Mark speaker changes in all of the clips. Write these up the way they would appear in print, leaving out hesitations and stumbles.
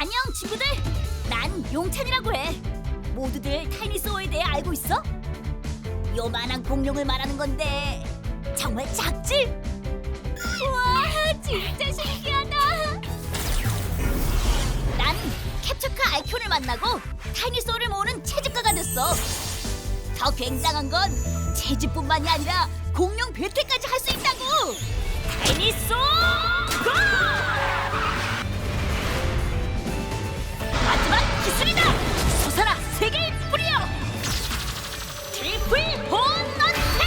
Speaker 1: 안녕 친구들. 난 용찬이라고 해. 모두들 타이니소어에 대해 알고 있어? 요만한 공룡을 말하는 건데 정말 작지? 우와, 진짜 신기하다. 난 캡처카 알키온을 만나고 타이니소어를 모으는 채집가가 됐어. 더 굉장한 건 채집뿐만이 아니라 공룡 배틀까지 할 수 있다고. 타이니소어 고! 마지막 기술이다. 솟아라 세계의 뿌리여. 트리플 혼넌테.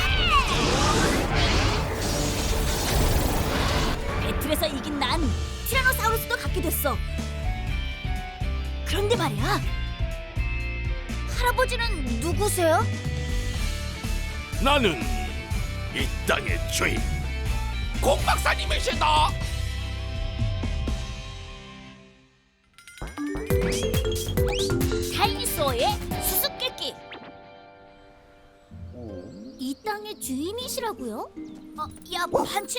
Speaker 1: 배틀에서 이긴 난 티라노사우루스도 갖게 됐어. 그런데 말이야, 할아버지는 누구세요?
Speaker 2: 나는 이 땅의 주인 공 박사님이시다.
Speaker 1: 타이니소어의 수수께끼. 이 땅의 주인이시라고요? 야 반치.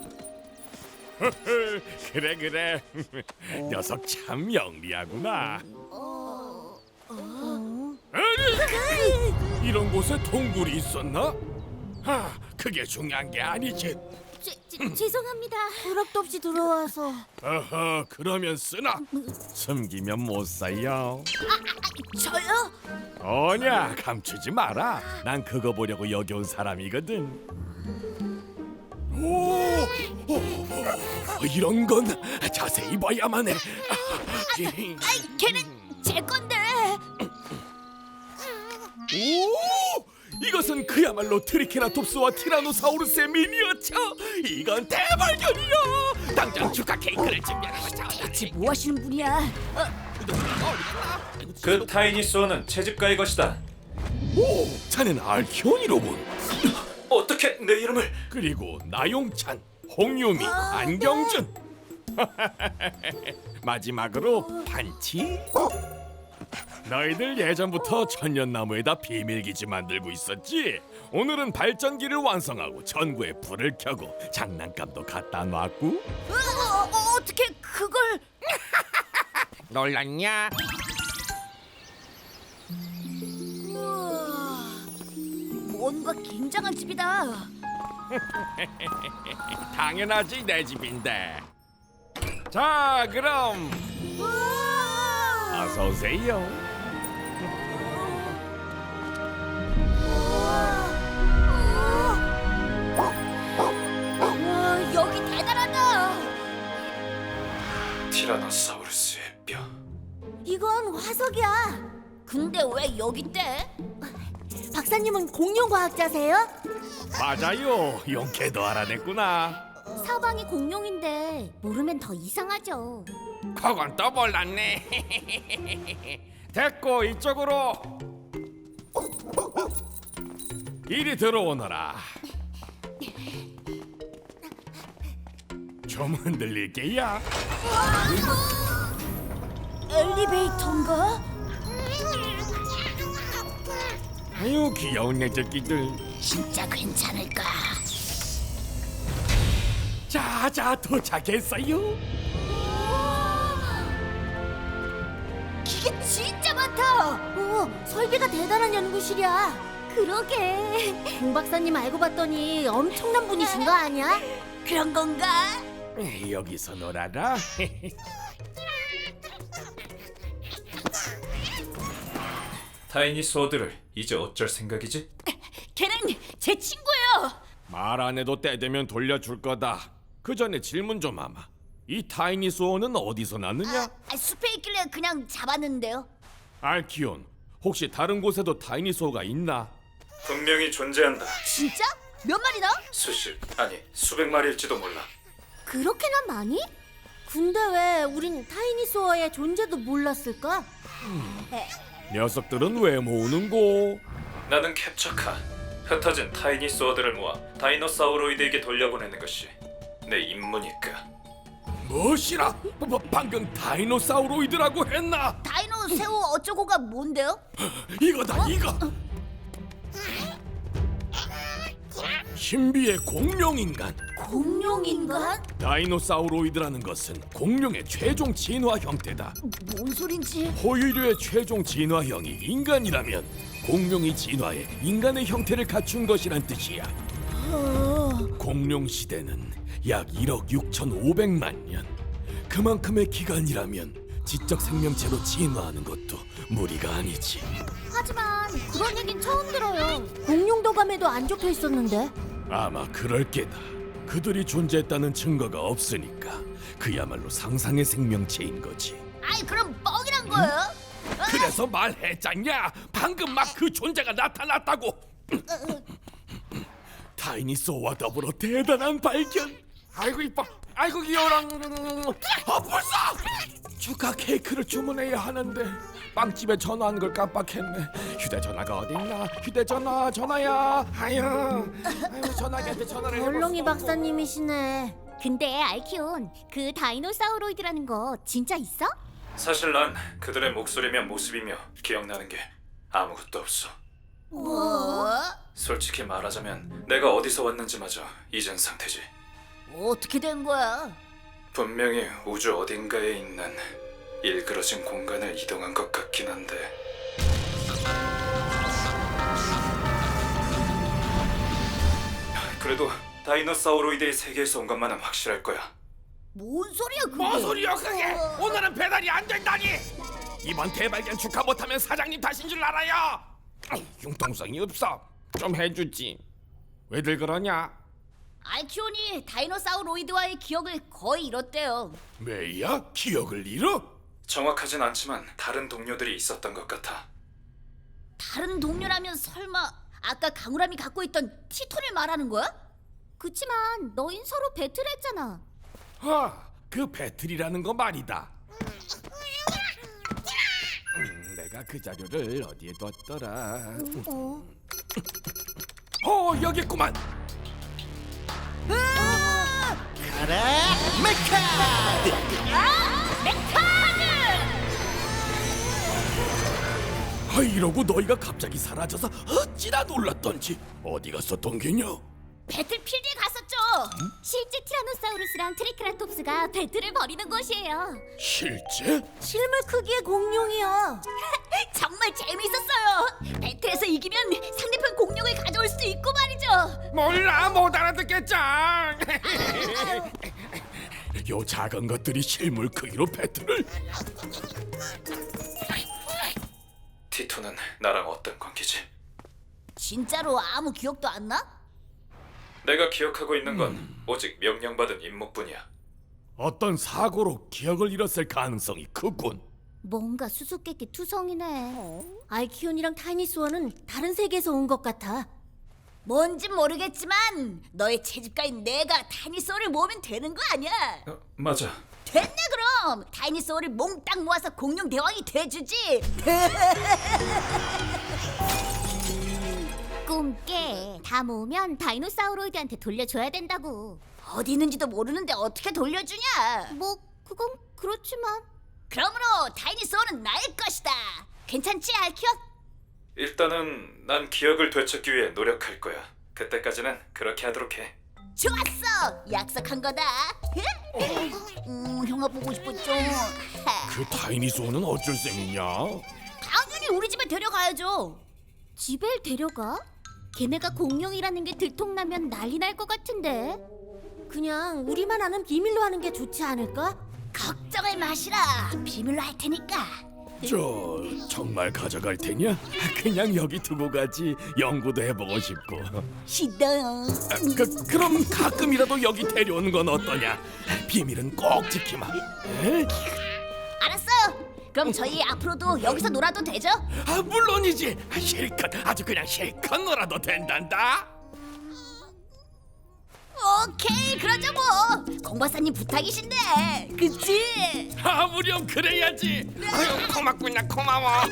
Speaker 2: 그래 녀석 참 영리하구나. 아니, 이런 곳에 동굴이 있었나? 그게 중요한 게 아니지.
Speaker 1: 죄송합니다. 허락도 없이 들어와서.
Speaker 2: 어허, 그러면 쓰나? 숨기면 못 사요.
Speaker 1: 저요?
Speaker 2: 어냐, 감추지 마라. 난 그거 보려고 여기 온 사람이거든. 오, 이런 건 자세히 봐야만 해.
Speaker 1: 아이, 걔는 제 건데.
Speaker 2: 오, 이것은 그야말로 트리케라톱스와 티라노사우루스의 미니어처. 이건 대발견이야. 당장 축하 케이크를 준비하라고.
Speaker 1: 대체 뭐 하시는 분이야?
Speaker 3: 그 타이니소어는 채집가의 것이다.
Speaker 2: 오, 자넨 알키온이로군.
Speaker 3: 어떻게 내 이름을?
Speaker 2: 그리고 나용찬, 홍유미, 안경준. 마지막으로 반치. 너희들 예전부터 천년나무에다 비밀기지 만들고 있었지? 오늘은 발전기를 완성하고 전구에 불을 켜고 장난감도 갖다 놨고.
Speaker 1: 어떻게 그걸?
Speaker 2: 놀랐냐?
Speaker 1: 우와, 뭔가 굉장한 집이다.
Speaker 2: 당연하지, 내 집인데. 자, 그럼
Speaker 1: 우와,
Speaker 2: 어서 오세요.
Speaker 1: 우와, 여기 대단하다.
Speaker 3: 티라노사우루스의 뼈.
Speaker 1: 이건 화석이야. 근데 왜 여기 있대? 박사님은 공룡 과학자세요?
Speaker 2: 맞아요, 용케도 알아냈구나.
Speaker 1: 사방이 공룡인데 모르면 더 이상하죠.
Speaker 2: 그건 또 몰랐네. 됐고, 이쪽으로. 이리 들어오너라. 좀 흔들릴게야.
Speaker 1: 엘리베이터인가?
Speaker 2: 아유, 귀여운 녀석끼들.
Speaker 1: 진짜 괜찮을까?
Speaker 2: 자, 도착했어요.
Speaker 1: 기계 진짜 많다. 설계가 대단한 연구실이야. 그러게. 공 박사님 알고 봤더니 엄청난 분이신 거 아니야? 그런 건가?
Speaker 2: 여기서 놀아라.
Speaker 3: 타이니소어들을 이제 어쩔 생각이지?
Speaker 1: 걔는 제 친구예요.
Speaker 2: 말 안 해도 때 되면 돌려줄 거다. 그 전에 질문 좀 하마. 이 타이니소어는 어디서 났느냐?
Speaker 1: 숲에 있길래 그냥 잡았는데요.
Speaker 2: 알키온, 혹시 다른 곳에도 타이니소어가 있나?
Speaker 3: 분명히 존재한다.
Speaker 1: 진짜? 몇 마리나?
Speaker 3: 수십, 아니 수백 마리일지도 몰라.
Speaker 1: 그렇게나 많이? 근데 왜 우린 타이니소어의 존재도 몰랐을까?
Speaker 2: 녀석들은 왜 모으는고?
Speaker 3: 나는 캡처카. 흩어진 타이니소어들을 모아 다이노사우로이드에게 돌려보내는 것이 내 임무니까.
Speaker 2: 무엇이라? 방금 다이노사우로이드라고 했나?
Speaker 1: 다이노 새우 어쩌고가 뭔데요?
Speaker 2: 이거다, 이거. 신비의 공룡인간.
Speaker 1: 공룡인간?
Speaker 2: 다이노사우로이드라는 것은 공룡의 최종 진화 형태다.
Speaker 1: 뭔 소린지.
Speaker 2: 포유류의 최종 진화형이 인간이라면 공룡이 진화해 인간의 형태를 갖춘 것이란 뜻이야. 공룡 시대는 약 1억 6,500만 년. 그만큼의 기간이라면 지적 생명체로 진화하는 것도 무리가 아니지.
Speaker 1: 하지만 그런 얘긴 처음 들어요. 공룡도감에도 안 적혀 있었는데.
Speaker 2: 아마 그럴 게다. 그들이 존재했다는 증거가 없으니까 그야말로 상상의 생명체인 거지.
Speaker 1: 아이 그럼 뻥이란 거예요?
Speaker 2: 그래서 말했잖냐. 방금 막 그 존재가 나타났다고. 다이니소어와 더불어 대단한 발견. 아이고 이뻐. 아이고 귀여워라. 벌써 축하 케이크를 주문해야 하는데 빵집에 전화한 걸 깜빡했네. 휴대전화가 어딨나? 휴대전화 전화야. 아유 전화기한테 전화를 해봤어.
Speaker 1: 얼렁이 박사님이시네. 근데 알키온, 그 다이노사우로이드라는 거 진짜 있어?
Speaker 3: 사실 난 그들의 목소리며 모습이며 기억나는 게 아무것도 없어.
Speaker 1: 뭐?
Speaker 3: 솔직히 말하자면 내가 어디서 왔는지마저 잊은 상태지.
Speaker 1: 어떻게 된 거야?
Speaker 3: 분명히 우주 어딘가에 있는 일그러진 공간을 이동한 것 같긴 한데. 그래도 다이노사우로이드의 세계에서 온 것만은 확실할 거야.
Speaker 1: 뭔 소리야 그게?
Speaker 2: 뭔 소리야 그게? 오늘은 배달이 안 된다니. 이번 대발견 축하 못하면 사장님 탓인 줄 알아요. 융통성이 없어. 좀 해주지. 왜들 그러냐?
Speaker 1: 알키온이 다이노사우로이드와의 기억을 거의 잃었대요.
Speaker 2: 메이야? 기억을 잃어?
Speaker 3: 정확하진 않지만 다른 동료들이 있었던 것 같아.
Speaker 1: 다른 동료라면 설마 아까 강우람이 갖고 있던 티톤을 말하는 거야? 그치만 너흰 서로 배틀했잖아.
Speaker 2: 그 배틀이라는 거 말이다. 내가 그 자료를 어디에 뒀더라. 여기 있구만.
Speaker 4: 가라 메카!
Speaker 2: 이러고 너희가 갑자기 사라져서 어찌나 놀랐던지. 어디 갔었던 게냐?
Speaker 1: 배틀필드에 갔었죠. 실제 티라노사우루스랑 트리케라톱스가 배틀을 벌이는 곳이에요.
Speaker 2: 실제?
Speaker 1: 실물 크기의 공룡이요. 정말 재밌었어요. 배틀에서 이기면 상대편 공룡을 가져올 수도 있고 말이죠.
Speaker 2: 몰라, 못 알아듣겠죠. 요 작은 것들이 실물 크기로 배틀을?
Speaker 3: 티토는 나랑 어떤 관계지?
Speaker 1: 진짜로 아무 기억도 안 나?
Speaker 3: 내가 기억하고 있는 건 오직 명령받은 임무뿐이야.
Speaker 2: 어떤 사고로 기억을 잃었을 가능성이 크군.
Speaker 1: 뭔가 수수께끼 투성이네. 알키온이랑 타이니스원은 다른 세계에서 온 것 같아. 뭔진 모르겠지만 너의 채집가인 내가 타이니스원을 모으면 되는 거 아니야?
Speaker 3: 맞아.
Speaker 1: 됐네 그럼. 타이니스원을 몽땅 모아서 공룡 대왕이 돼주지. 꿈깨. 다 모으면 다이노사우로이드한테 돌려줘야 된다고. 어디 있는지도 모르는데 어떻게 돌려주냐? 뭐 그건 그렇지만. 그러므로 다이니소어는 나의 것이다. 괜찮지 알키온?
Speaker 3: 일단은 난 기억을 되찾기 위해 노력할 거야. 그때까지는 그렇게 하도록 해.
Speaker 1: 좋았어. 약속한 거다. 형아 보고 싶었죠.
Speaker 2: 그 타이니소어는 어쩔 셈이냐?
Speaker 1: 당연히 우리 집에 데려가야죠. 집에 데려가? 걔네가 공룡이라는 게 들통나면 난리 날 것 같은데. 그냥 우리만 아는 비밀로 하는 게 좋지 않을까? 걱정을 마시라. 비밀로 할 테니까.
Speaker 2: 정말 가져갈 테냐? 그냥 여기 두고 가지. 연구도 해보고 싶고.
Speaker 1: 싫어요.
Speaker 2: 그럼 가끔이라도 여기 데려오는 건 어떠냐? 비밀은 꼭 지키마. 에?
Speaker 1: 알았어요. 그럼 저희 앞으로도 여기서 놀아도 되죠?
Speaker 2: 물론이지. 실컷, 아주 그냥 실컷 놀아도 된단다.
Speaker 1: 오케이, 그러죠 뭐. 공박사님 부탁이신데, 그치?
Speaker 2: 무렴 그래야지. 아유 고맙구나 고마워.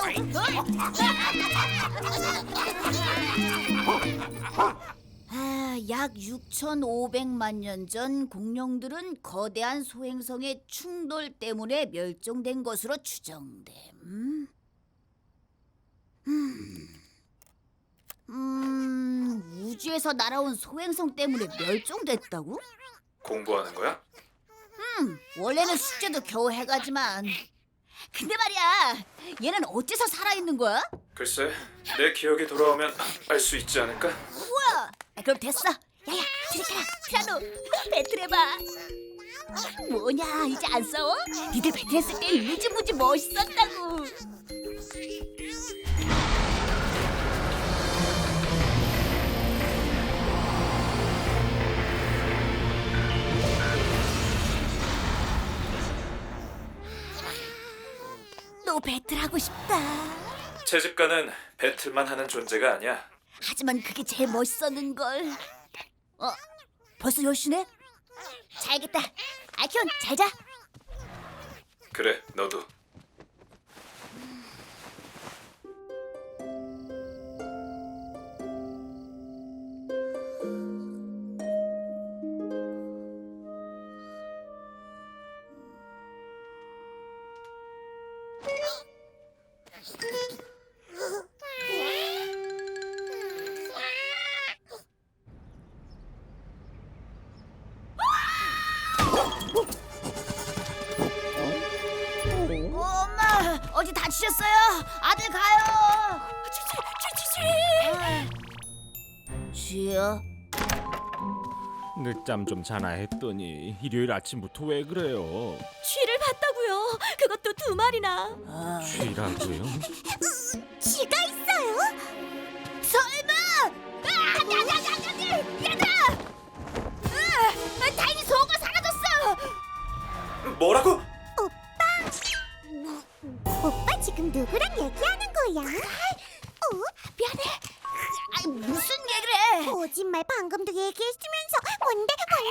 Speaker 1: 약 6,500만 년 전 공룡들은 거대한 소행성의 충돌 때문에 멸종된 것으로 추정됨. 우주에서 날아온 소행성 때문에 멸종됐다고?
Speaker 3: 공부하는 거야?
Speaker 1: 원래는 숙제도 겨우 해가지만. 근데 말이야, 얘는 어째서 살아있는 거야?
Speaker 3: 글쎄, 내 기억이 돌아오면 알 수 있지 않을까?
Speaker 1: 우와! 그럼 됐어. 야야, 트리카라, 티라노, 배틀해봐. 뭐냐, 이제 안 싸워? 니들 배틀했을 때 무지무지 멋있었다고. 또 배틀하고 싶다.
Speaker 3: 채집가는 배틀만 하는 존재가 아니야.
Speaker 1: 하지만 그게 제일 멋있었는걸. 벌써 10시네? 자야겠다. 알키온, 잘 자.
Speaker 3: 그래, 너도.
Speaker 1: 엄마, 어디 다치셨어요? 아들 가요. 쥐야?
Speaker 2: 늦잠 좀 자나 했더니 일요일 아침부터 왜 그래요?
Speaker 5: 쥐를 봤다고요. 그것도 2마리나.
Speaker 2: 쥐라고요?
Speaker 1: 쥐가 있어요? 설마? 얘들아! 다행히 소가 사라졌어.
Speaker 3: 뭐라고?
Speaker 1: 오빠 지금 누구랑 얘기하는 거야? 미안해. 무슨 얘기를 해?
Speaker 6: 거짓말 방금도 얘기했으면서 뭔데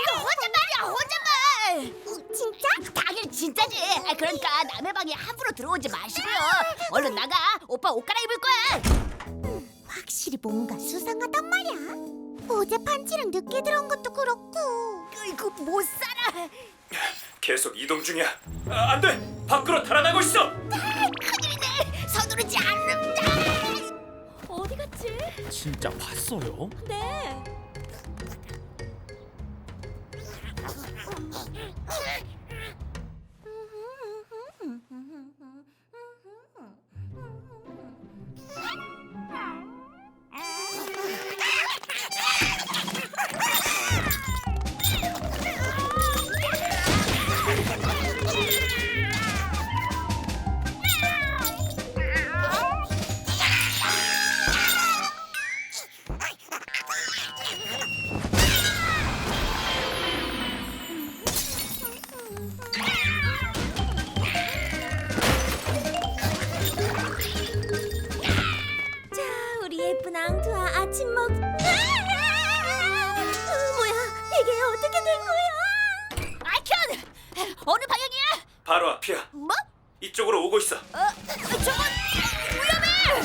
Speaker 1: 혼잣말이야. 진짜? 당연히 진짜지. 그러니까 남의 방에 함부로 들어오지 마시고요. 얼른 나가. 오빠 옷 갈아입을 거야.
Speaker 6: 확실히 뭔가 수상하단 말이야. 어제 판치랑 늦게 들어온 것도 그렇고.
Speaker 1: 이거 못 살아.
Speaker 3: 계속 이동 중이야. 안 돼! 밖으로 달아나고 있어!
Speaker 1: 큰일이네. 서두르지 않는다.
Speaker 5: 어디 갔지?
Speaker 2: 진짜 봤어요?
Speaker 5: 네. 자, 우리 예쁜 앙투아 아침 먹. 뭐야? 이게 어떻게 된 거야?
Speaker 1: 알키온! 어느 방향이야?
Speaker 3: 바로 앞이야.
Speaker 1: 뭐?
Speaker 3: 이쪽으로 오고 있어.
Speaker 1: 저건 위험해!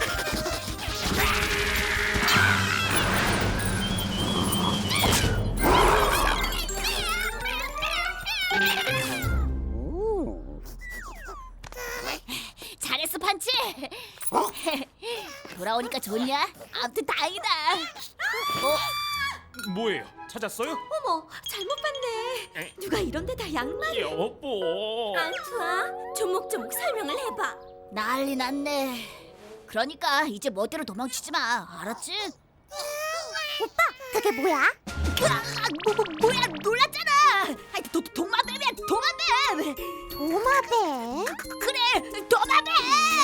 Speaker 1: 잘했어, 판치. 돌아오니까 좋냐? 아무튼 다행이다.
Speaker 2: 뭐예요? 찾았어요?
Speaker 5: 어머, 잘못 봤네. 누가 이런 데다 양말을.
Speaker 2: 여보.
Speaker 5: 앙투아, 조목조목 설명을 해봐.
Speaker 1: 난리 났네. 그러니까 이제 멋대로 도망치지 마. 알았지?
Speaker 6: 그게 뭐야?
Speaker 1: 뭐야, 놀랐잖아. 도마뱀이야, 도마뱀.
Speaker 6: 도마뱀?
Speaker 1: 그래, 도마뱀!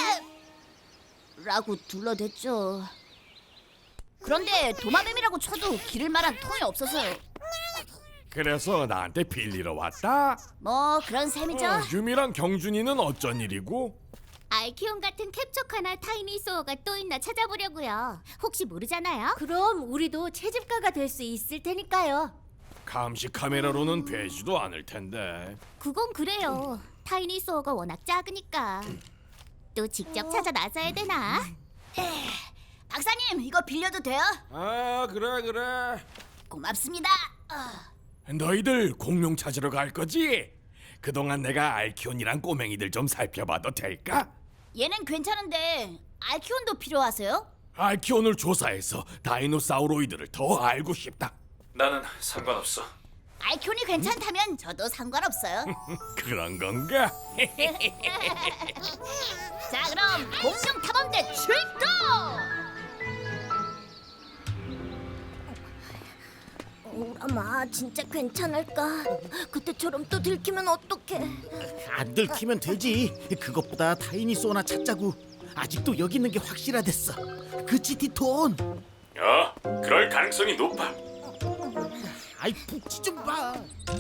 Speaker 1: 라고 둘러댔죠. 그런데 도마뱀이라고 쳐도 기를 만한 통이 없어서요.
Speaker 2: 그래서 나한테 빌리러 왔다?
Speaker 1: 뭐 그런 셈이죠.
Speaker 2: 유미랑 경준이는 어쩐 일이고?
Speaker 5: 알키온 같은 캡처카나 타이니소어가 또 있나 찾아보려고요. 혹시 모르잖아요? 그럼 우리도 채집가가 될 수 있을 테니까요.
Speaker 2: 감시 카메라로는 되지도 않을 텐데.
Speaker 5: 그건 그래요. 타이니소어가 워낙 작으니까. 또 직접 찾아 나서야 되나?
Speaker 1: 박사님, 이거 빌려도 돼요?
Speaker 2: 아, 그래.
Speaker 1: 고맙습니다.
Speaker 2: 너희들 공룡 찾으러 갈 거지? 그동안 내가 알키온이랑 꼬맹이들 좀 살펴봐도 될까?
Speaker 1: 얘는 괜찮은데 알키온도 필요하세요?
Speaker 2: 알키온을 조사해서 다이노사우로이드를 더 알고 싶다.
Speaker 3: 나는 상관없어.
Speaker 1: 알키온이 괜찮다면 저도 상관없어요.
Speaker 2: 그런 건가?
Speaker 1: 자, 그럼 공룡 탐험대 출동!
Speaker 6: 오라마 진짜 괜찮을까? 그때처럼 또 들키면 어떡해?
Speaker 4: 안 들키면 되지. 그것보다 타이니소나 찾자고. 아직도 여기 있는 게 확실하댔어. 그치 티톤?
Speaker 3: 그럴 가능성이 높아.
Speaker 4: 아이 북지 좀 봐.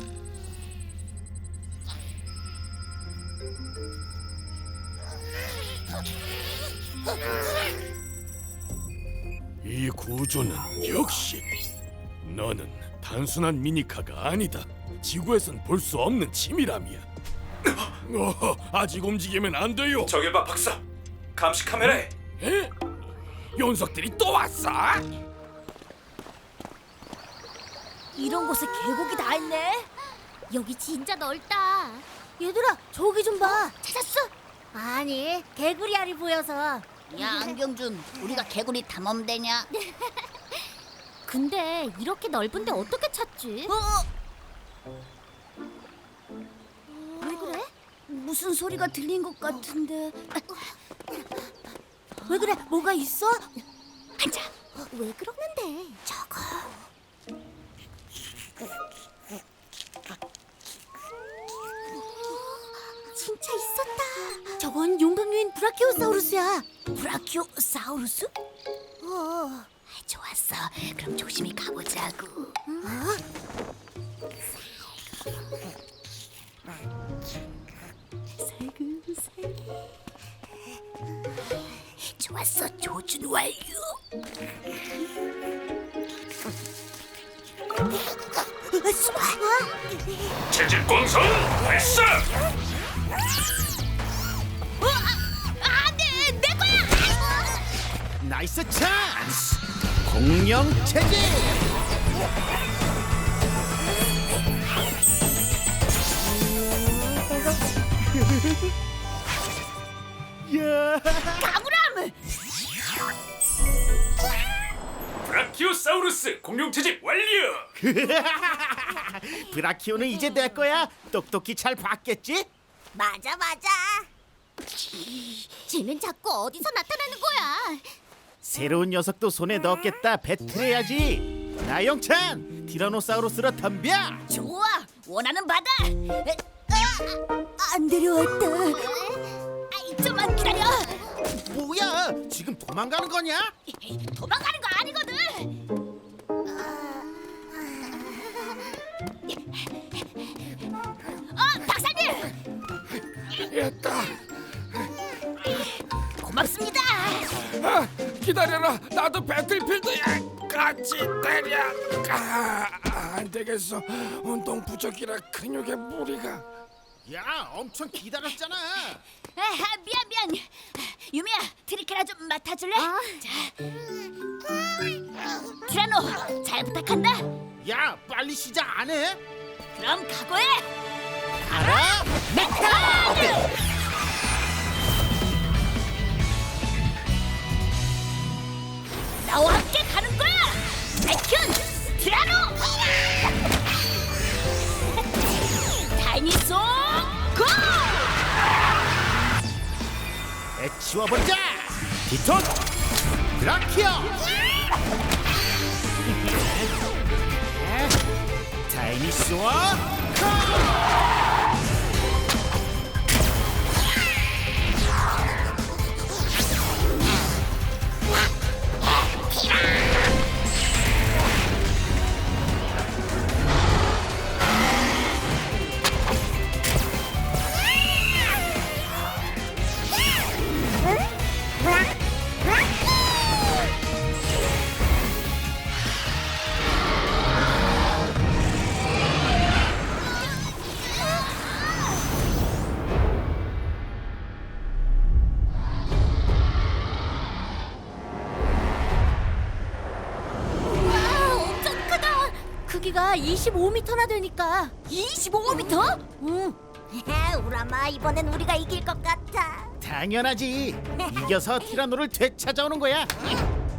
Speaker 2: 이 구조는 역시 너는 단순한 미니카가 아니다. 지구에선 볼 수 없는 치밀함이야. 아직 움직이면 안 돼요.
Speaker 3: 저길 봐, 박사. 감시 카메라에.
Speaker 2: 에? 녀석들이 또 왔어?
Speaker 1: 이런 곳에 계곡이 다 있네.
Speaker 5: 여기 진짜 넓다. 얘들아, 저기 좀 봐. 찾았어? 아니, 개구리 알이 보여서.
Speaker 1: 야, 안경준, 우리가 개구리 탐험대냐?
Speaker 5: 근데 이렇게 넓은데 어떻게 찾지?
Speaker 1: 왜 그래? 무슨 소리가 들린 것 같은데.
Speaker 5: 왜 그래? 뭐가 있어?
Speaker 1: 앉아.
Speaker 6: 왜 그러는데?
Speaker 1: 저거.
Speaker 6: 진짜 있었다.
Speaker 5: 저건 용광류인 브라키오사우루스야.
Speaker 1: 브라키오사우루스? 좋았어. 그럼 조심히 가보자고. 좋았어. 조준 완료.
Speaker 3: 재질 공선 발사.
Speaker 1: 안돼, 내 거야.
Speaker 4: 나이스 찬스. 공룡 체질. 야.
Speaker 1: 가무람.
Speaker 3: 브라키오사우루스 공룡 채집 완료.
Speaker 4: 브라키오는 이제 내 거야. 똑똑히 잘 봤겠지?
Speaker 6: 맞아.
Speaker 5: 쟤는 자꾸 어디서 나타나는 거야?
Speaker 4: 새로운 녀석도 손에 넣었겠다. 배틀해야지. 나영찬, 티라노사우루스로 덤벼.
Speaker 1: 좋아. 원하는 바다.
Speaker 6: 안 데려왔다.
Speaker 1: 좀만 기다려.
Speaker 4: 뭐야? 지금 도망가는 거냐?
Speaker 1: 도망가는 거 아니거든. 박사님.
Speaker 2: 됐다.
Speaker 1: 고맙습니다.
Speaker 2: 기다려라. 나도 배틀필드에 같이 때려. 안 되겠어. 운동 부족이라 근육에 무리가.
Speaker 4: 야, 엄청 기다렸잖아.
Speaker 1: 미안. 유미야, 트리케라 좀 맡아줄래? 자, 티라노, 잘 부탁한다.
Speaker 4: 야, 빨리 시작 안 해?
Speaker 1: 그럼 각오해.
Speaker 4: 알아? 메카!
Speaker 1: 나와 함께 가는 거야. 백현, 티라노, 다이니소, 고!
Speaker 4: 치워보자. 디톤, 브라키오. 다이니소어
Speaker 5: 크기가 25m나 되니까.
Speaker 1: 25m?
Speaker 5: 응.
Speaker 6: 우라마 이번엔 우리가 이길 것 같아.
Speaker 4: 당연하지. 이겨서 티라노를 되찾아오는 거야.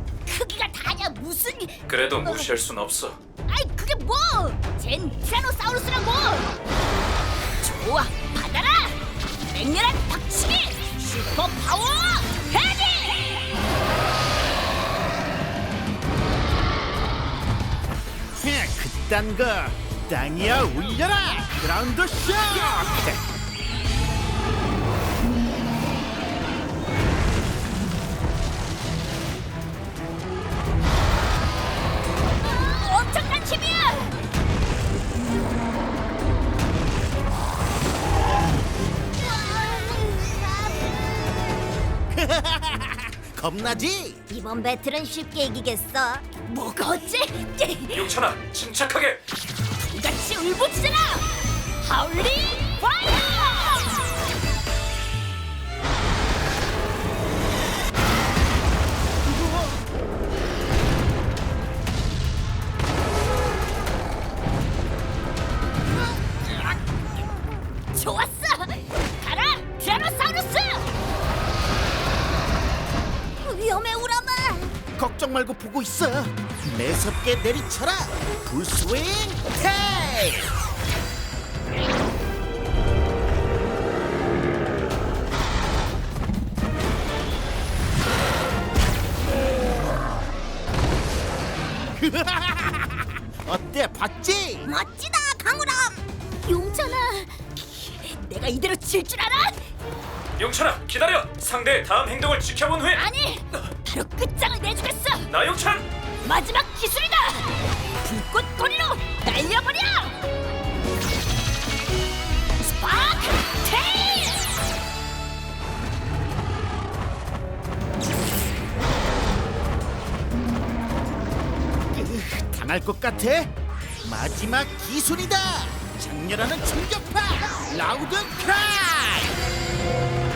Speaker 1: 무슨
Speaker 3: 그래도 무시할 순 없어.
Speaker 1: 아이 그게 뭐? 쟨 티라노사우루스라고. 좋아, 받아라. 맹렬한 박치기 슈퍼 파워 헤디.
Speaker 4: 그딴 거 땅이야 울려라 그라운드 쇼.
Speaker 1: 엄청난 힘이야.
Speaker 4: 겁나지?
Speaker 6: 이번 배틀은 쉽게 이기겠어.
Speaker 1: 뭐가 어째?
Speaker 3: 용찬아, 침착하게.
Speaker 1: 같이 울부짖어라. 하울링 파이어. 좋았어! 가라! 티라노사우루스!
Speaker 6: 위험해 우라마.
Speaker 4: 걱정 말고 보고 있어. 매섭게 내리쳐라. 풀스윙 테일. 어때 봤지?
Speaker 6: 멋지다 강우람.
Speaker 1: 용찬아, 내가 이대로 질 줄 알아?
Speaker 3: 용찬아, 기다려. 상대의 다음 행동을 지켜본 후에
Speaker 1: 아니, 바로 끝장을 내주겠어.
Speaker 3: 나 용찬.
Speaker 1: 마지막 기술이다. 불꽃 꼬리로 날려버려. 스파크 테일.
Speaker 4: 당할 것 같아? 마지막 기술이다. 장렬하는 충격파. 라우드 크라이.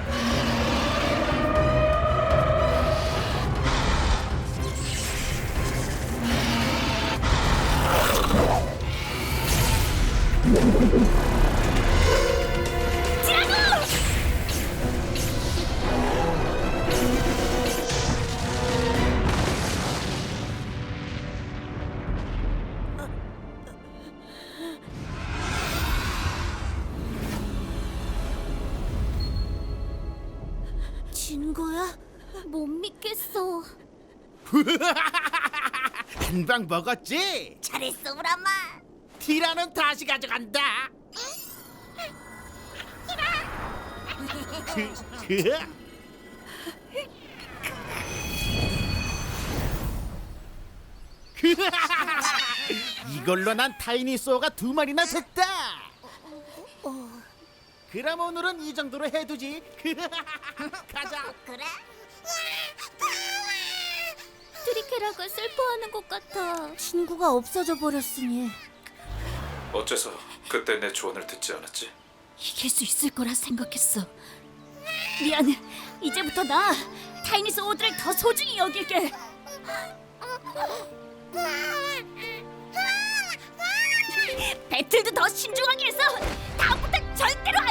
Speaker 1: 티라노!
Speaker 6: 진 거야?
Speaker 5: 못 믿겠어.
Speaker 4: 한 방 먹었지?
Speaker 6: 잘했어 우라마.
Speaker 4: 티라는 다시 가져간다. 이걸로 난 타이니소어가 2마리나 됐다. 그럼 오늘은 이 정도로 해두지. 가자.
Speaker 6: 그래?
Speaker 5: 트리케라가 슬퍼하는 것 같아.
Speaker 6: 친구가 없어져 버렸으니.
Speaker 3: 어째서 그때 내 조언을 듣지 않았지?
Speaker 1: 이길 수 있을 거라 생각했어. 미안. 이제부터 나 타이니소어들을 더 소중히 여길게. 배틀도 더 신중하게 해서 다음부터 절대로